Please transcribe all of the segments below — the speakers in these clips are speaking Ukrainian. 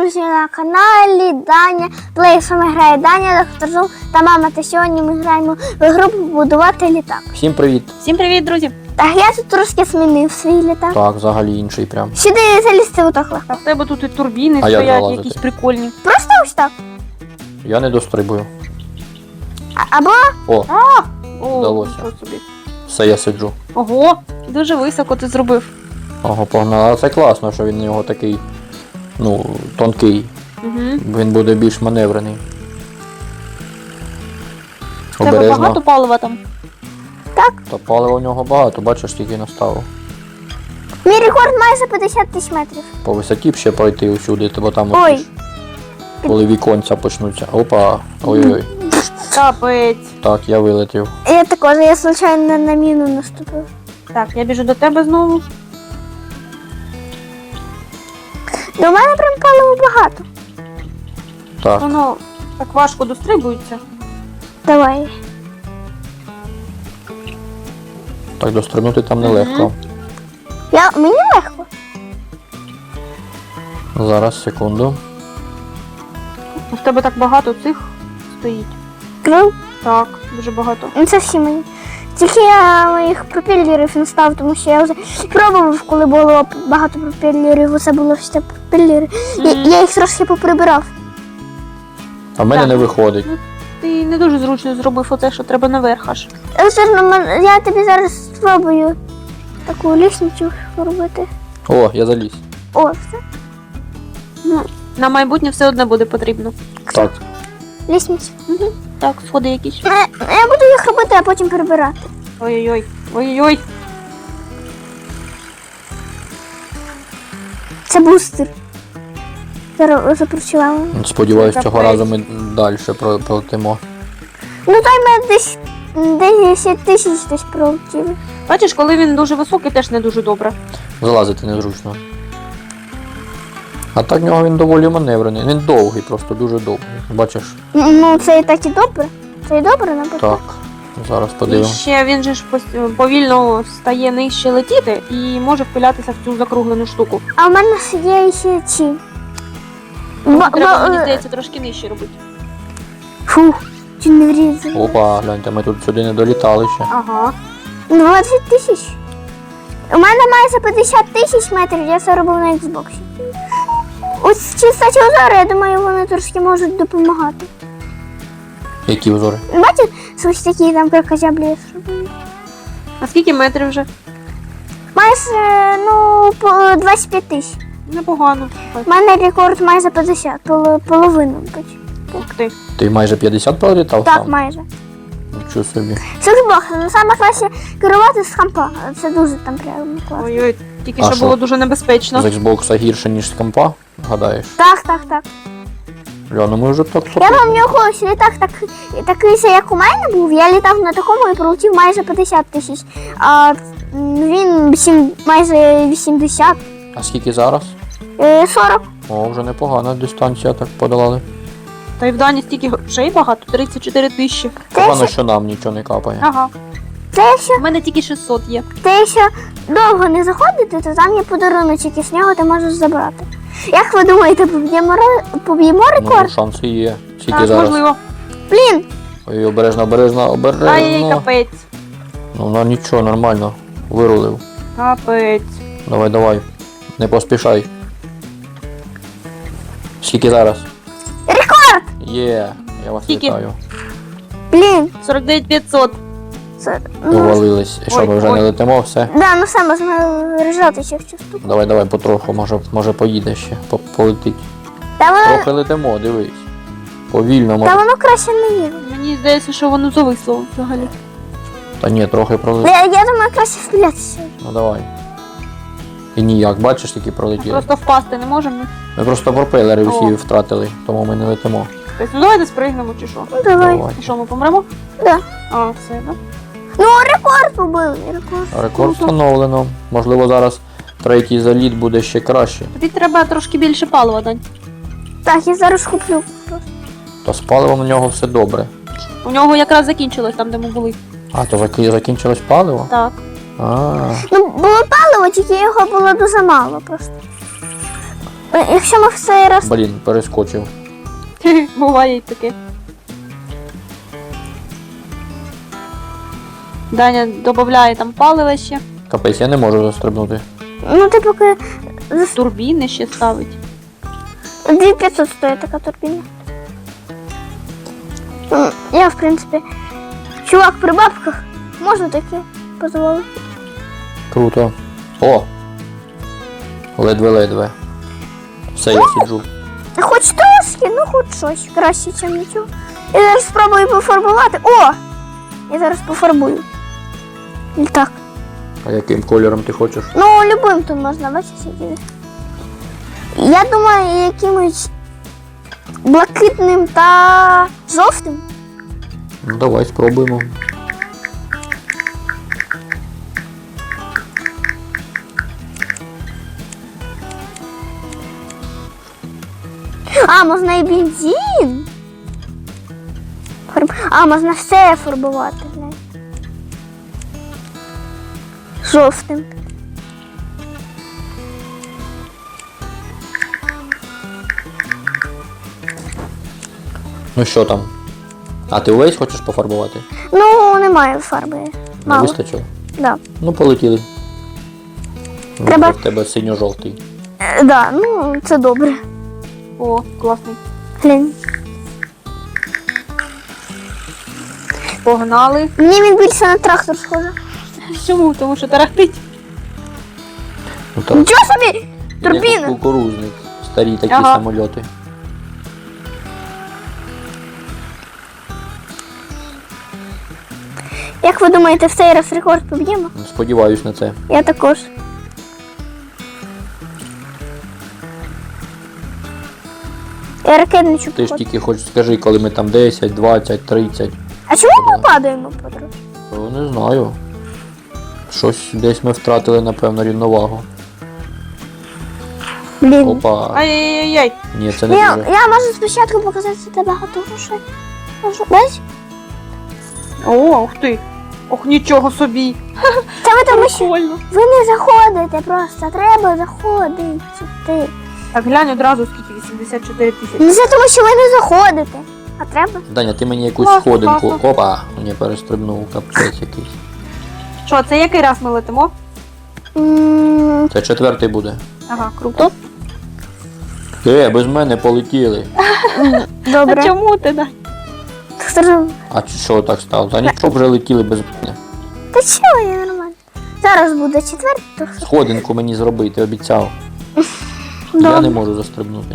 друзі, на каналі Даня Плей. З вами грає Даня, Доктор Зум та мама. Та сьогодні ми граємо в гру побудувати літак. Всім привіт! Всім привіт, друзі! Так, я тут трошки змінив свій літак. Так, взагалі інший прям. Сюди залізти отак легко. А в тебе тут і турбіни А як стоять, залазити? якісь прикольні. Просто ось так. Я не дострибую. Або О, О, Вдалося. нічого собі. все, я сиджу. Ого, дуже високо ти зробив. Ого, погнали. А це класно, що він у нього такий, тонкий. Угу. Він буде більш маневрений. В тебе багато палива там? Та палива у нього багато, бачиш, тільки наставив. мій рекорд майже 50 тисяч метрів. По висоті б ще пройти усюди, бо там Ой. от ж, коли віконця почнуться. Опа, ой-ой. Капець. Так, я вилетів. Я також, я случайно на міну наступив. Так, я біжу до тебе знову. До мене прям палива багато. Так, Воно так важко дострибується. Давай. так дострибнути там нелегко. Мені легко. Зараз, секунду. У тебе так багато цих стоїть. Крил? Так, дуже багато. Ну це всі мені. Тільки я моїх пропелерів не став, тому що я вже пробував, коли було багато пропелерів, усе було все пропелери. Я їх трошки поприбирав. А в мене Так. не виходить. Ти не дуже зручно зробив оце, що треба наверх аж. Я тобі зараз спробую таку лісницю робити. О, я заліз. О, все. Ну, на майбутнє все одно буде потрібно. Так. Лісницю. Угу. Так, сходи якісь. Я буду їх робити, а потім прибирати. Ой-ой-ой. Ой-ой-ой. Це бустер. Зараз запрацювали. Сподіваюсь, Це цього капець. разу ми далі пролетимо. Ну той ми десь 10 тисяч десь пролетіли. Бачиш, коли він дуже високий, теж не дуже добре. Залазити незручно. А так в нього він доволі маневрений. Він довгий, просто дуже довгий. Бачиш? Ну це і так і добре. Це і добре, наприклад. Так. Зараз І подивимось. ще він же ж повільно стає нижче летіти і може впилятися в цю закруглену штуку. А в мене є ще ці. Треба, мені здається, трошки нижче робити. Фух, чи не врізали. Опа, гляньте, ми тут сюди не долітали ще. Ага. 20 тисяч. У мене майже 50 тисяч метрів, я це робив на Xbox. Ось чистачі озори, я думаю, вони трошки можуть допомагати. Які узори? Бачите, ось такі там кракозяблі зробили. А скільки метрів вже? Майже, по 25 тисяч. Непогано. У мене рекорд майже 50, половину. Ух ти. Ти майже 50 пролітав Так, сам? майже. Нічого собі. Це Xbox, ну саме краще керувати з компа. Це дуже там прямо класно. Ой-ой, тільки А що що? було дуже небезпечно. З Xbox гірше, ніж з компа, гадаєш? Так. Бля, ну ми вже так Я пам'ятаю, колись літак такий, як у мене був, я літав на такому і пролетів майже 50 тисяч. А він майже 80. А скільки зараз? 40. О, вже непогана дистанція так подолали. Та й в Дані стільки грошей багато, 34 тисячі. Погано, що нам нічого не капає. Ага. Це якщо, У мене тільки 600 є. довго не заходити, то там є подаруночок, і з нього ти можеш забрати. Як ви думаєте, поб'ємо Ну, рекорд? шанси є. Скільки Так, зараз? можливо. Блін, Ой, обережно. Ай, капець. Ну нічого, нормально. Вирулив. Капець. Давай. Не поспішай. Скільки зараз? рекорд! Є, я вас Скільки? вітаю. Блін, 49 500. це... Довалились. І що, ми вже Ой. не летимо, все? Да, ну все, можна режати ще в цю штуку. Давай, потроху, може поїде ще, полетить. Та воно, Трохи летимо, дивись. Повільно, та може. воно краще не їде. Мені здається, що воно зависло взагалі. Та ні, трохи пролетить. Я думаю, краще стрілятися. Ну давай. І ніяк, бачиш, тільки пролетіли. Просто впасти не можемо. Ми просто пропелери О. всі втратили, тому ми не летимо. Тобто, ну давайте спригнемо чи що. Ну давай. І що, ми помремо? Да. А, все, да? Ну, рекорд побили, рекорд. Рекорд встановлено. Можливо, зараз третій заліт буде ще краще. Тобі треба трошки більше палива, Дань. Так, я зараз куплю. То з паливом у нього все добре. У нього якраз закінчилось там, де ми були. А, то закінчилось паливо? Так. А, Ну, було паливо, тільки його було дуже мало просто. Якщо ми в цей раз. Блін, перескочив. Буває й таке. Даня додає там палива ще. Капець, я не можу застрибнути. Ну ти поки. Турбіни ще ставить. 2500 стоїть така турбіна. Я, в принципі, чувак при бабках, можна таке дозволити. Круто. О! Ледве-ледве. Все, я сиджу. Хоч трошки, ну хоч щось. Краще, ніж нічого. Я зараз спробую пофарбувати. О! Я зараз пофарбую. Так. А яким кольором ти хочеш? Ну, любим тут можна, бачите. Я думаю, якимось блакитним та жовтим. Ну давай спробуємо. А, можна і бензин. А, можна все фарбувати. Знаєте. Жовтим. Ну що там? А ти увесь хочеш пофарбувати? Ну, немає фарби. Не Мало. вистачило? Да. Ну полетіли. Треба- В тебе синьо-жовтий. Да, ну це добре. О, класний. Глянь. Погнали. Мені він більше на трактор схоже. Чому? Тому що тарахтить. Ну так. Нічого собі! Як Турбіна! кукурузник. Старі такі Ага. самольоти. Як ви думаєте, в цей раз рекорд поб'ємо? Сподіваюсь на це. Я також. Я ракетничу Ти ж походу. тільки хоч скажи, коли ми там 10, 20, 30. А чому ми падаємо подружки? Ну, не знаю. Щось десь ми втратили, напевно, рівновагу. Блін. Опа. Ай-яй-яй-яй. Ні, це не Я дуже. можу спочатку показати це багато грошей. Можу. Бачиш? О, ух ти. Ох, нічого собі. Це ви тому що Прикольно. ви не заходите просто, треба заходити сюди. Так, глянь одразу скільки, 84 тисячі. Не це тому, що ви не заходите. А треба? Даня, ти мені якусь Класно, сходинку. класно. Опа, мені перестрибнув капець якийсь. Що, це який раз ми летимо? Це 4-й буде. Ага, круто. Без мене полетіли. А Добре. чому ти, да? А що так стало? Та нічого вже летіли без мене. Та чого, я нормально. Зараз буде четвертий. Сходинку мені зробити, обіцяв. Я Добре. не можу застрибнути.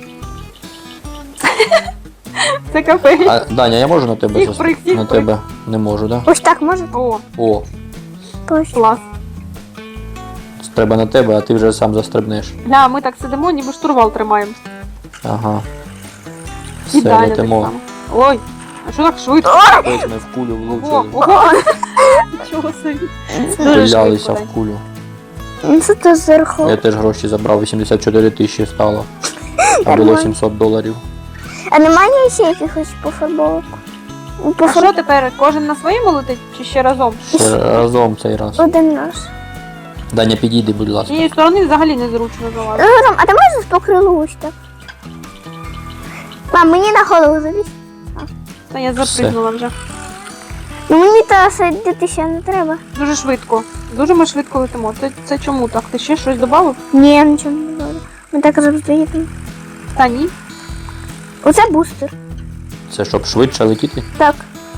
Це капець. А, Даня, я можу на тебе Їх прыг, їх На прыг. тебе не можу, так? Ось так може? О, О, Точно. клас. треба на тебе, а ти вже сам застрибнеш. Гля, ми так сидимо, ніби штурвал тримаємо. Ага. І Все, Даня так летимо. само. Ой, а що так швидко? Ось ми в кулю Ого, влучили. ого. Нічого собі. Дуже Стрілялися швидко, в кулю. Ну, це то зверху. Я теж гроші забрав, 84 тисячі стало. А було Нормально. $700. А немає ще якихось пофарбовок? Ну, А що тепер, кожен на своєму летить чи ще разом? Ще разом цей раз. Один наш. Даня, підійди, будь З ласка. цієї сторони взагалі незручно залазити. А ти можеш по крилу ось так? Мам, мені на голову залізь. Та я запригнула вже. Ну мені та сидіти ще не треба. Дуже швидко. Дуже ми швидко летимо. Це чому так? Ти ще щось додав? Ні, нічого не буде. Ми так завжди їдемо. Та ні. Оце бустер. Це щоб швидше летіти? Так.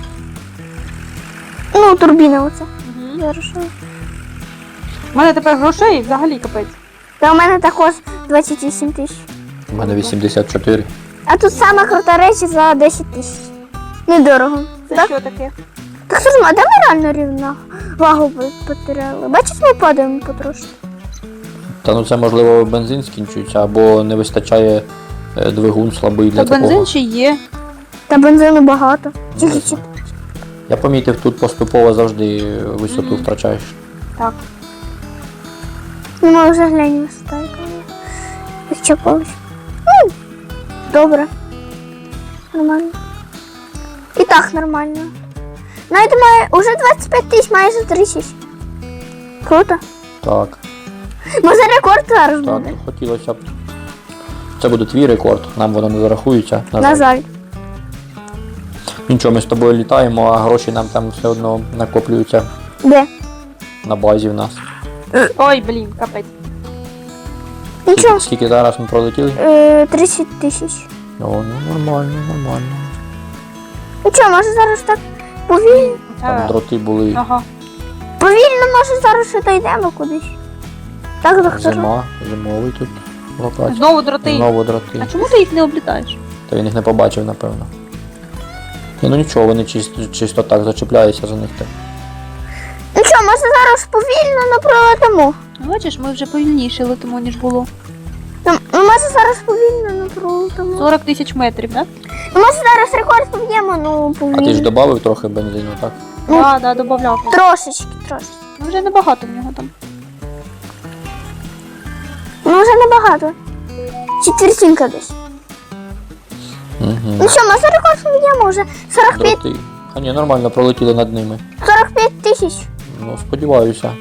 Ну, турбіна оце. Угу. Хорошо. У мене тепер грошей взагалі капець. Та у мене також 28 тисяч. У мене 84. А тут саме крута речі за 10 тисяч. Недорого. Це Так? що таке? Так скажімо, а де ми реально рівно вагу потеряли? Бачиш, ми падаємо потрошки. Та ну це можливо бензин скінчується, або не вистачає двигун слабий для Та такого. бензин ще є. Та бензину багато. Ну, Тільки не чи. знаю. Я помітив, тут поступово завжди висоту Мгм. втрачаєш. Так. Ну, ми вже глянь висота, яка вона. Відчепилась. Добре. Нормально. І так нормально. Навіть має уже 25 тисяч, майже 30. Круто. Так, Може рекорд зараз так, буде. хотілося б. Це буде твій рекорд, нам воно не зарахується. На жаль. Нічого, ми з тобою літаємо, а гроші нам там все одно накоплюються Де? на базі в нас. Ой, блін, капець. Нічого. Скільки зараз ми пролетіли? 30 тисяч. О, ну нормально, нормально. Нічого, може зараз так повільно. Там дроти були. Ага. Повільно, може зараз ще дійдемо кудись. Так, доктор. Зима, зимовий тут локація. Знову дроти. Знову дроти. А чому ти їх не облітаєш? Та він їх не побачив, напевно. Ні, ну нічого, вони чисто так зачіпляються за них. Так. Нічого, може зараз повільно, но пролетимо. Бачиш, ми вже повільніше летимо, ніж було. Ну, може зараз повільно, но пролетимо. 40 тисяч метрів, так? Ну, може зараз рекорд поб'ємо, ну А ти ж повільно. додав трохи бензину, так? Ну, Так, да, додавляв. Трошечки. Ну вже небагато в нього там. Ну вже небагато. Четвертинка десь. Угу. Ну що, може рекорд поб'ємо вже? 45, Дроти. А ні, нормально пролетіли над ними. 45 тисяч. Ну, сподіваюся.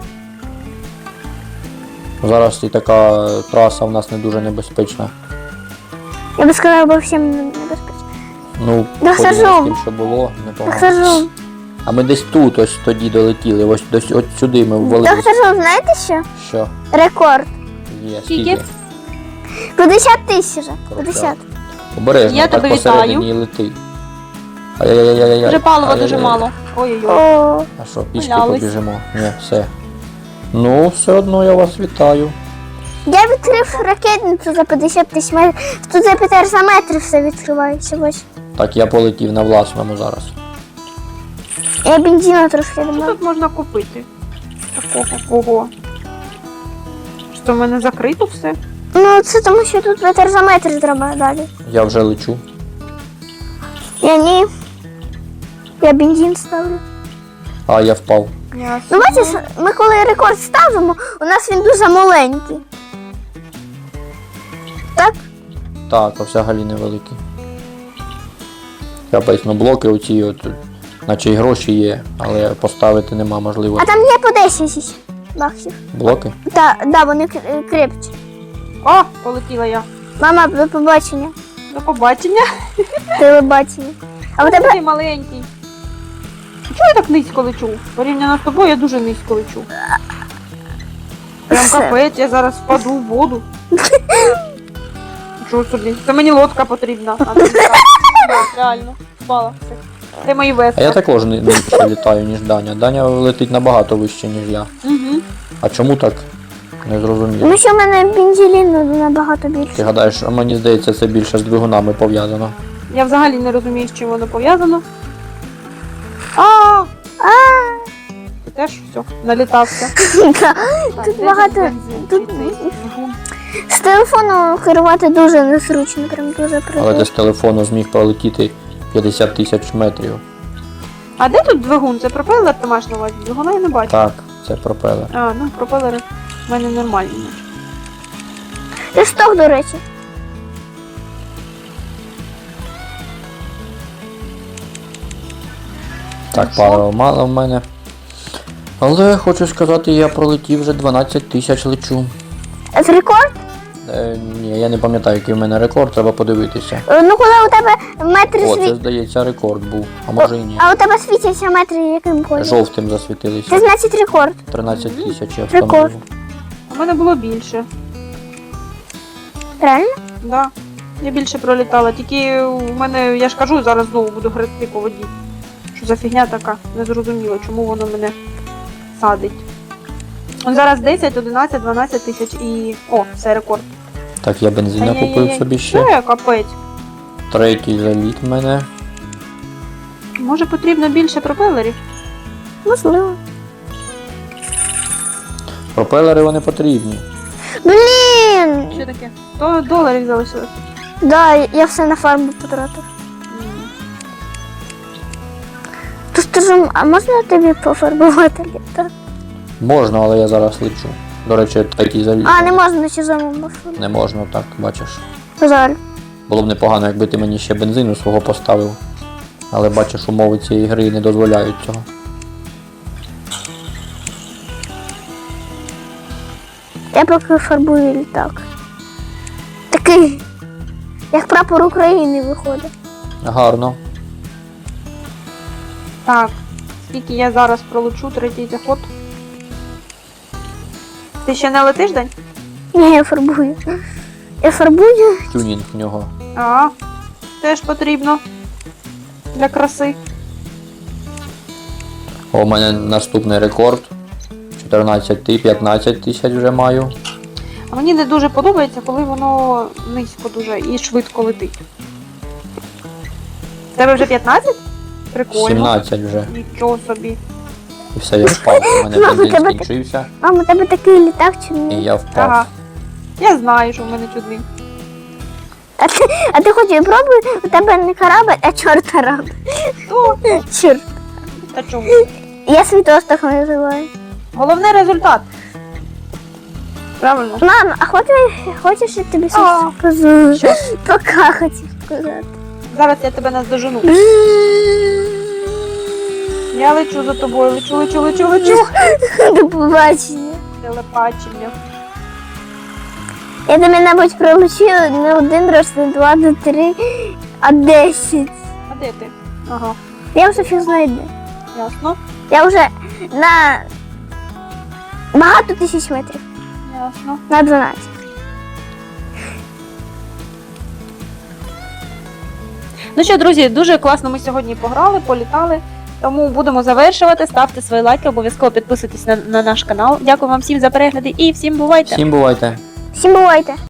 Зараз і така траса в нас не дуже небезпечна. Я би сказала, бо всім небезпечно. Ну, Доктор порівняно з Жом. тим, що було, непогано. Доктор Жом. А ми десь тут ось тоді долетіли, ось десь от сюди ми ввалились. Доктор Жом, знаєте що? Що? Рекорд. Є, Скільки? скільки? 50 тисяч вже. 50. Обережно, Я так тебе посередині і лети. Ай-яй-яй-яй-яй. Вже палива Ай-яй-яй. дуже мало. Ой-ой-ой. О, А що, пішки Валялись. побіжимо? Ні, все. Ну, все одно я вас вітаю. я відкрив ракетницю за 50 тисяч метрів. Тут за 500 метрів все відкривається. Ось. Так, я полетів на власному зараз. Я бензину трошки Що думаю. тут можна купити? Такого. Ого. Що в мене закрито все? Ну, це тому, що тут 500 метрів треба далі. Я вже лечу. Я ні. Я бензин ставлю. А, я впав. Ясно. Ну, бачиш, ми коли рекорд ставимо, у нас він дуже маленький. Так? Так, а взагалі невеликий. Капець, ну блоки оці, от, наче й гроші є, але поставити нема А можливості. там є по 10 баксів. Блоки? Да, вони крепчі. О, полетіла я. Мама, до побачення. До побачення. Телебачення. А у тебе Ти маленький. Чого я так низько лечу? Порівняно з тобою я дуже низько лечу. Прям капець, я зараз впаду в воду. Чого собі? Це мені лодка потрібна. А не літак. Так, реально. Впала. Все. Це мої А вески. я також нижче літаю, ніж Даня. Даня летить набагато вище, ніж я. Угу. А чому так? Не зрозуміло. тому що в мене бензину набагато Ти більше. гадаєш, а мені здається, це більше з двигунами пов'язано. Я взагалі не розумію, з чим воно пов'язано. А, Ти теж все, налітався. да. Так, Тут де багато. бензин? Тут Чи цей двигун? з телефону керувати дуже незручно, прям дуже Але прикольно. ти з телефону зміг пролетіти 50 тисяч метрів. А де тут двигун? Це пропелер ти маєш на увазі? Двигуна я не бачу. Так, це пропелер. А, ну пропелери в мене нормальні. Ти сток, до речі. Так, паливо мало в мене. Але хочу сказати, я пролетів вже 12 тисяч лечу. Це рекорд? Ні, я не пам'ятаю, який в мене рекорд, треба подивитися. Ну, коли у тебе метри О, це світ. здається рекорд був, а може і ні. А у тебе світяться метри яким кольором? Жовтим Це засвітилися. значить рекорд. 13 тисяч я Рекорд. встановив. У мене було більше. Правильно? Да. Я більше пролітала. Тільки у мене, я ж кажу, зараз знову буду грести по воді. Що за фігня така? Не зрозуміло, чому воно мене садить. Он зараз 10, 11, 12 тисяч і... О, все, рекорд. Так, я бензина Ай-яй-яй. купив собі ще. Це капець. Третій заліт в мене. Може потрібно більше пропелерів? Можливо. Пропелери вони потрібні. Блін! Що таке? 100 доларів залишилось. Да, я все на фарму потратив. То скажу, а можна тобі пофарбувати літак? Можна, але я зараз лечу. До речі, третій заліт. А, не можна на чужому маршруті. Не можна, так, бачиш. Жаль. Було б непогано, якби ти мені ще бензину свого поставив. Але бачиш, умови цієї гри не дозволяють цього. Я поки фарбую літак. Так Такий, як прапор України виходить. Гарно. Так, скільки я зараз пролечу, третій заход. Ти ще не летиш, Дань? Ні, я фарбую. Я фарбую. Тюнінг в нього. А, теж потрібно. Для краси. О, у мене наступний рекорд. 15 тисяч вже маю. А мені не дуже подобається, коли воно низько дуже і швидко летить. В тебе вже 15? Прикольно. 17 вже. Нічого собі. І все, я впав. У мене Мама, бензин тебе- скінчився. Мама, у тебе такий літак чи І ні? я впав. Ага. Я знаю, що в мене чудний. А ти хоч і пробуй, у тебе не корабль, а чорт корабль. То, Чорт. та чому? Я світос так називаю. Головне результат. Правильно? Мама, а хочеш я тобі А. щось скажу? Що? Пока хотів сказати. Зараз я тебе наздожену. Я лечу за тобою, лечу. До побачення. Телепачення. Я тебе, мабуть, пролучила не один раз, не два, не три, а 10. А де ти? Ага, Я вже фіг знайду. ясно. Я вже на багато тисяч метрів. Ясно. На 12. Ну що, друзі, дуже класно ми сьогодні пограли, політали. Тому будемо завершувати. Ставте свої лайки, обов'язково підписуйтесь на наш канал. Дякую вам всім за перегляди і всім бувайте! Всім бувайте. Всім бувайте.